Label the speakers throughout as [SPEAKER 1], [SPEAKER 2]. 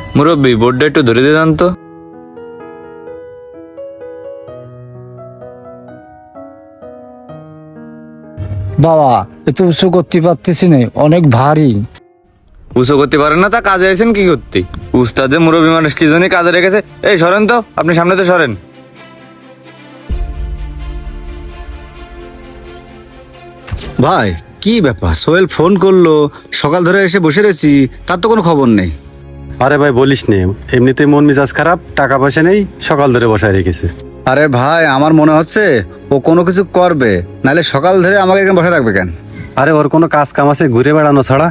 [SPEAKER 1] মুরব্বী বোর্ডটা একটু ধরে দিয়ে দেন তো।
[SPEAKER 2] বাবা এত উঁচু করতে পারতেছি না, অনেক ভারী।
[SPEAKER 1] উঁচু করতে পারেন না, তা কাজে আছেন কি করতে? উস্তাদে মুরব্বী মানুষ কি জন্য কাজে রেখেছে। এই সরেন তো, আপনি সামনে তো সরেন।
[SPEAKER 3] ভাই কি ব্যাপার, সোহেল ফোন করলো, সকাল ধরে এসে বসে রয়েছি, তার তো কোনো খবর নেই।
[SPEAKER 4] আরে ভাই বলিস নে, এমনিতে মন মেজাজ খারাপ, টাকা পয়সা নেই, সকাল ধরে বসায় রেখেছে।
[SPEAKER 3] আরে ভাই আমার মনে হচ্ছে ও কোনো কিছু করবে, নাহলে সকাল ধরে আমাকে এখানে বসে রাখবে কেন?
[SPEAKER 4] আরে ওর কোনো কাজ কাম আছে ঘুরে বেড়ানো ছাড়া?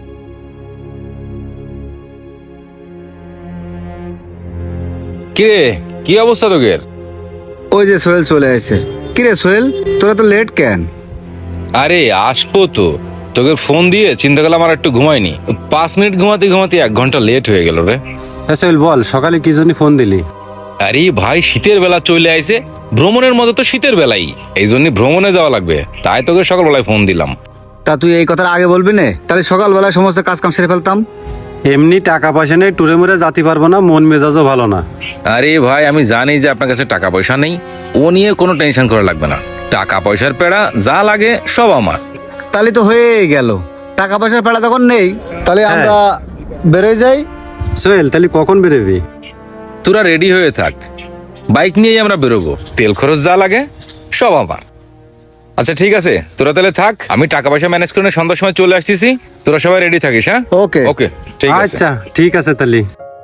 [SPEAKER 5] কিরে, কি অবস্থা তোদের?
[SPEAKER 3] ওই যে সোহেল চলে এসেছে। কিরে সোহেল, তোরা তো লেট কেন?
[SPEAKER 5] আরে আসবো তো, তোকে ফোন দিয়ে চিন্তা করলাম আর একটু ঘুমাইনি। 5 মিনিট ঘুমাতে ঘুমাতে 1 ঘন্টা লেট হয়ে গেল রে।
[SPEAKER 4] হ্যাঁ সোহেল বল, সকালে কি জন্য ফোন দিলি?
[SPEAKER 5] আরে ভাই শীতের বেলা চলে আইছে, ভ্রমণের মতো তো শীতের বেলাই, এই জন্য ভ্রমণে যাওয়া লাগবে, তাই তোকে সকালবেলায় ফোন দিলাম।
[SPEAKER 3] তা তুই এই কথাটা আগে বলবি না, তাহলে সকালবেলায় সমস্ত কাজ কাম সেরে ফেলতাম।
[SPEAKER 4] এমনি টাকা পয়সা নেই, টুরে মুরে যাতে পারবো না, মন মেজাজও ভালো না।
[SPEAKER 5] আরে ভাই আমি জানি যে আপনার কাছে টাকা পয়সা নেই, ও নিয়ে কোনো টেনশন করা লাগবে না। টাকা পয়সার পেড়া যা লাগে সব আমার।
[SPEAKER 3] তাহলে তো হয়ে গেল, টাকা পয়সার পেড়া তখন নেই, তাহলে আমরা বেরোয় যাই।
[SPEAKER 4] সোহেল তাহলে কখন বেরোবি?
[SPEAKER 5] তোরা রেডি হয়ে থাক, বাইক নিয়েই আমরা বেরোবো, তেল খরচ যা লাগে সব আমার। আচ্ছা ঠিক আছে, তোরা তাহলে থাক, আমি টাকা পয়সা ম্যানেজ করে সন্ধ্যার সময় চলে আসতেছি, তোরা সবাই রেডি থাকিস। হ্যাঁ
[SPEAKER 3] ওকে।
[SPEAKER 5] ওকে ঠিক আছে।
[SPEAKER 4] আচ্ছা ঠিক আছে তাহলে।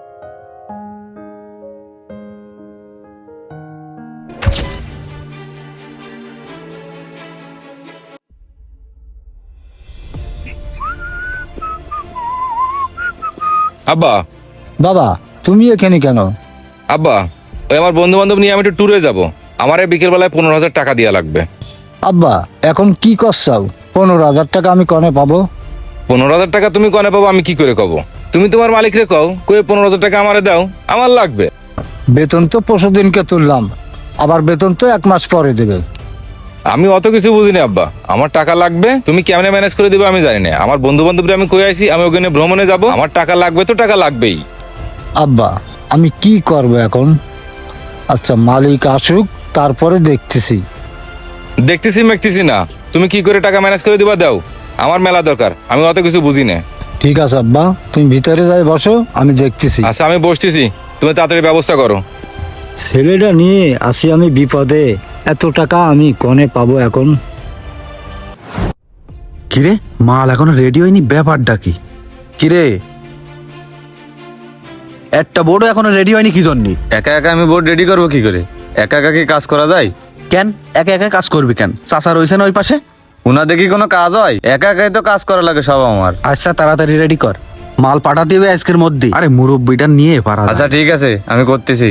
[SPEAKER 5] আব্বা,
[SPEAKER 2] বাবা তুমি এখানে কেন?
[SPEAKER 5] আব্বা ওই আমার বন্ধু বান্ধব নিয়ে আমি একটু ট্যুরে যাবো, আমার এই বিকেল বেলায় 15,000 টাকা দেওয়া লাগবে।
[SPEAKER 2] আব্বা এখন কি করছাও? 15,000 টাকা আমি কনে পাবো?
[SPEAKER 5] 15,000 টাকা তুমি কনে পাবো আমি কি করে কব? তুমি তোমার মালিকরে কও, কয়ে 15,000 টাকা আমারে দাও, আমার লাগবে।
[SPEAKER 2] বেতন তো পরশুদিনকে তুললাম, আবার বেতন তো 1 মাস পরে দেবে।
[SPEAKER 5] আমি অত কিছু বুঝিনি আব্বা, আমার টাকা লাগবে, তুমি কেমনে ম্যানেজ করে দিবে আমি জানি না। আমার বন্ধু বান্ধবরা আমি কই আইছি, আমি ওখানে ভ্রমণে যাব, আমার টাকা লাগবে তো টাকা লাগবেই।
[SPEAKER 2] আব্বা আমি কি করব এখন? আচ্ছা মালিক আসুক, তারপরে দেখতেছি।
[SPEAKER 5] দেখতেছি মেখতেছি না, তুমি কি করে টাকা ম্যানেজ করে দিবা দাও, আমার মেলা দরকার, আমি অত কিছু বুঝি না।
[SPEAKER 2] ঠিক আছে আব্বা, তুমি ভিতরে যাই বসো, আমি দেখতেছি।
[SPEAKER 5] আচ্ছা আমি বসতেছি, তুমি তাড়াতাড়ি ব্যবস্থা করো।
[SPEAKER 2] ছেলেটা নিয়ে আসি আমি বিপদে, এত টাকা আমি কনে পাবো এখন?
[SPEAKER 3] কিরে মাল এখনো রেডি হয়নি, ব্যাপারটা কি? কিরে একটা বোর্ডও এখনো রেডি হয়নি কি জন্য?
[SPEAKER 1] একা একা আমি বোর্ড রেডি করবো কি করে? একা একা কি কাজ করা যায়?
[SPEAKER 3] কেন একা একা কাজ করবি কেন? চাচা রয়েছে না ওই পাশে?
[SPEAKER 1] উনা দেখি কোনো কাজ হয়? একা একাই তো কাজ করা লাগে সব আমার।
[SPEAKER 3] আচ্ছা তাড়াতাড়ি রেডি কর, মাল পাঠাতে হবে আজকের মধ্যে। আরে মুরব্বিটা নিয়ে পারা।
[SPEAKER 1] আচ্ছা ঠিক আছে, আমি করতেছি।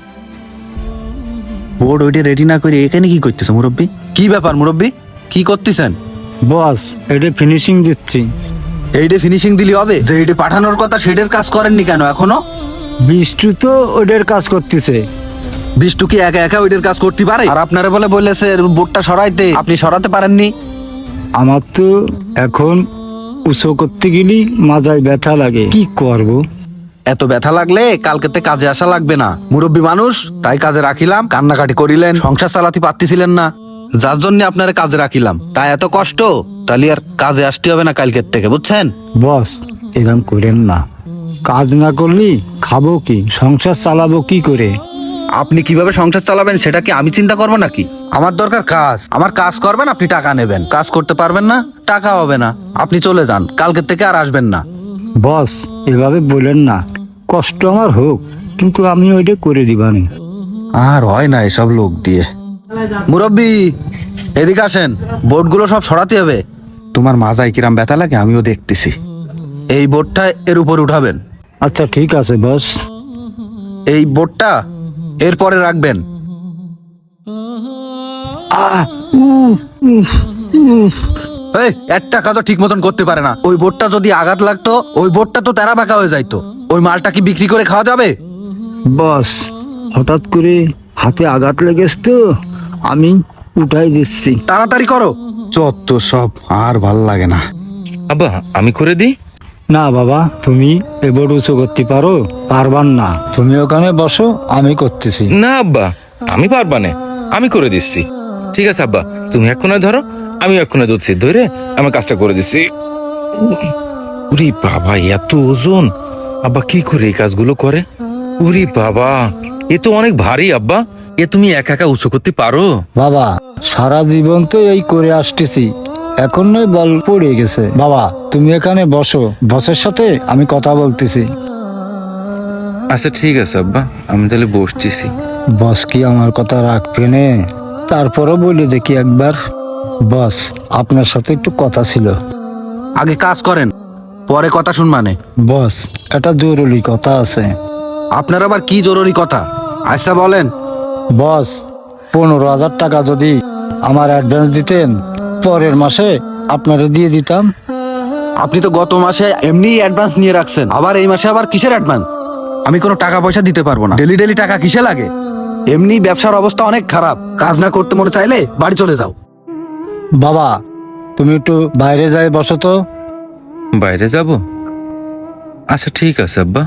[SPEAKER 3] বোর্ড ওইটা রেডি না করে এখানে কি করতেছে মুরব্বি? কি ব্যাপার মুরব্বি, কি করতেছেন?
[SPEAKER 2] বস এটা ফিনিশিং দিচ্ছি।
[SPEAKER 3] এইটা ফিনিশিং দিলি হবে? যে এইটা পাঠানোর কথা সেটার কাজ করেননি কেন এখনো?
[SPEAKER 2] বিষ্টু তো ওদের কাজ করতেছে।
[SPEAKER 3] বিষ্টু কি একা একা ওইটার কাজ করতে পারে? আর আপনারা বলে বলেছে বোর্ডটা সরাইতে, আপনি সরাতে পারেননি।
[SPEAKER 2] আমার তো এখন উঁচু করতে গেলে মাজায় ব্যথা লাগে, কি করব?
[SPEAKER 3] এত ব্যথা লাগলে কালকেতে কাজে আসা লাগবে না। মুরব্বী মানুষ তাই কাজে রাখিলাম, কান্নাকাটি করিলেন, সংসার চালাতে পারতেছিলেন না, যার জন্য আপনারা কাজে রাখিলাম। তাই এত কষ্ট, তাহলে আর কাজে আসতে হবে না কালকের থেকে, বুঝছেন?
[SPEAKER 2] বস এরকম করেন না, কাজ না করলে খাবো কি, সংসার চালাবো কি করে?
[SPEAKER 3] আপনি কিভাবে সংসার চালাবেন সেটা কি আমি চিন্তা করবো নাকি? আমার দরকার কাজ, আমার কাজ করবেন, আপনি টাকা নেবেন। কাজ করতে পারবেন না, টাকা হবে না। আপনি চলে যান, কালকের থেকে আর আসবেন না।
[SPEAKER 2] বস এভাবে বলেন না, কষ্ট আমার হোক, কিন্তু আমি ওইটা করে দিবানি।
[SPEAKER 3] আর হয় না এসব লোক দিয়ে। মুরব্বি এদিকে আসেন, বোর্ডগুলো সব সরাতে হবে। তোমার মাজায় কিরাম ব্যথা লাগে আমিও দেখতেছি। এই বোর্ডটা এর উপর উঠাবেন।
[SPEAKER 2] আচ্ছা ঠিক আছে বস।
[SPEAKER 3] এই বোর্ডটা এরপরে রাখবেন। এই একটা কাজও ঠিক মতন করতে পারে না। ওই বোর্ডটা যদি আঘাত লাগতো, ওই বোর্ডটা তো তেরা বাঁকা হয়ে যাইতো। ওই মালটা কি বিক্রি করে খাওয়া যাবে?
[SPEAKER 2] বস হঠাৎ করে হাতে আঘাত লেগেছে তো, আমি উঠাই দিচ্ছি।
[SPEAKER 3] তাড়াতাড়ি করো, চত্ব সব আর ভাল লাগে না।
[SPEAKER 5] আব্বা আমি করে দিই।
[SPEAKER 2] না বাবা, তুমি এবার উঁচু করতে পারো, পারবান না, তুমি ওখানে বসো, আমি করতেছি।
[SPEAKER 5] না আব্বা, আমি পারবা না, আমি করে দিচ্ছি। ঠিক আছে আব্বা, তুমি এক্ষুনি ধরো, আমি এক্ষুনি দুধছি, ধরে আমার কাজটা করে দিচ্ছি। উরি বাবা, এত ওজন! আব্বা কি করে এই কাজগুলো করে? উরি বাবা, এ তো অনেক ভারী আব্বা। এ তুমি একা একা উঁচু করতে পারো?
[SPEAKER 2] বাবা, সারা জীবন তো এই করে আসতেছি, এখন নয় বল পড়ে গেছে। বাবা, তুমি এখানে বসো, বসের সাথে আমি কথা বলতেছি।
[SPEAKER 5] আচ্ছা ঠিক আছে আব্বা, আমি তাহলে বসতেছি।
[SPEAKER 2] বস কি আমার কথা রাখবে নে? তারপরও বলি দেখি একবার। বস, আপনার সাথে একটু কথা ছিল।
[SPEAKER 3] আগে কাজ করেন, পরে কথা শুনবানে।
[SPEAKER 2] বস, একটা জরুরি কথা আছে।
[SPEAKER 3] আপনার আবার কি জরুরি কথা? আচ্ছা বলেন।
[SPEAKER 2] বস, 15,000 টাকা যদি আমার অ্যাডভান্স দিতেন, পরের মাসে আপনারা দিয়ে দিতাম।
[SPEAKER 3] আপনি তো গত মাসে এমনি অ্যাডভান্স নিয়ে রাখছেন, আবার এই মাসে আবার কিসের অ্যাডভান্স? আমি কোনো টাকা পয়সা দিতে পারবো না। ডেলি ডেলি টাকা কিসে লাগে? এমনি ব্যবসার অবস্থা অনেক খারাপ, কাজ না করতে মনে চাইলে বাড়ি চলে যাও।
[SPEAKER 2] বাবা, তুমি একটু বাইরে যাই বসো তো।
[SPEAKER 5] বাইরে যাব? আচ্ছা ঠিক আছে আব্বা।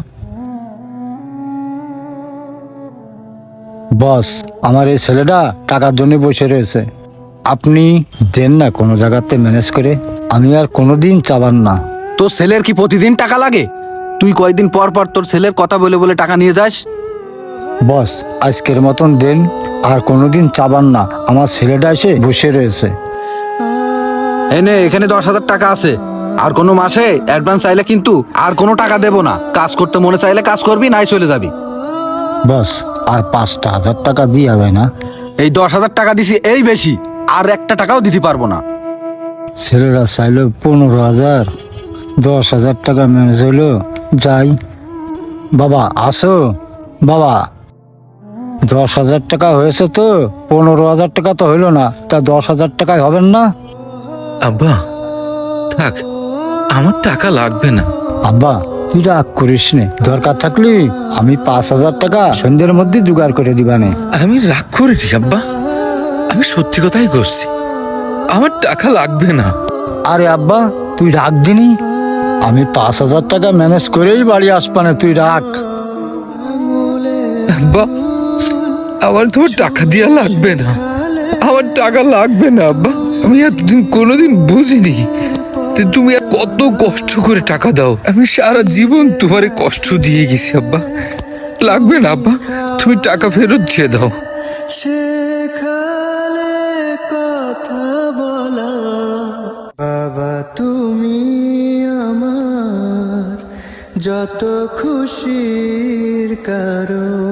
[SPEAKER 2] বস, আমার এই ছেলেটা টাকার জন্য বসে রয়েছে, আপনি দেন না কোনো জায়গাতে ম্যানেজ করে, আমি আর কোনোদিন চাবার না।
[SPEAKER 3] তোর ছেলের কি প্রতিদিন টাকা লাগে? তুই কয়দিন পর পর তোর ছেলের কথা বলে বলে টাকা নিয়ে যাস?
[SPEAKER 2] বস, আজকের মতন দেন, আর কোনোদিন চাবার না, আমার ছেলেটা এসে বসে রয়েছে।
[SPEAKER 3] এনে এখানে 10,000 টাকা আছে, আর কোনো মাসে অ্যাডভান্স চাইলে কিন্তু আর কোনো টাকা দেবো না। কাজ করতে মনে চাইলে কাজ করবি, নাই চলে যাবি।
[SPEAKER 2] বস, আর 5,000 টাকা দিয়ে হবে না?
[SPEAKER 3] এই 10,000 টাকা দিছি, এই বেশি, আর একটা টাকাও দিতে পারবো না।
[SPEAKER 2] ছেলেরা চাইলো 15,000, 10,000 টাকা ম্যানেজ হইলো, যাই। বাবা আসো। বাবা, 10,000 টাকা হয়েছে তো, 15,000 টাকা তো হইলো না, তা 10,000 টাকায় হবেন না?
[SPEAKER 5] আব্বা থাক, আমার টাকা লাগবে না।
[SPEAKER 2] আব্বা, তুই রাগ করিস নে, দরকার থাকলে আমি 5,000 টাকা সন্ধ্যের মধ্যে জোগাড় করে দিবানে।
[SPEAKER 5] আমি রাগ করিনি আব্বা, আমি সত্যি কথাই করছি, আমার টাকা লাগবে না।
[SPEAKER 2] আরে আব্বা, তুই রাগ দিনি, আমি 5,000 টাকা ম্যানেজ করেই বাড়ি আসবানে, তুই রাখ।
[SPEAKER 5] আব্বা, আমার তোমার টাকা দিয়া লাগবে না, আমার টাকা লাগবে না আব্বা। আমি এতদিন কোনোদিন বুঝিনি যে তুমি আর কত কষ্ট করে টাকা দাও। আমি সারা জীবন তোমারে কষ্ট দিয়ে গেছি আব্বা, লাগবে না আব্বা, তুমি টাকা ফেরত দিয়ে দাও।
[SPEAKER 6] সেখানে কথা বলা, বাবা তুমি আমার যত খুশির কারণ।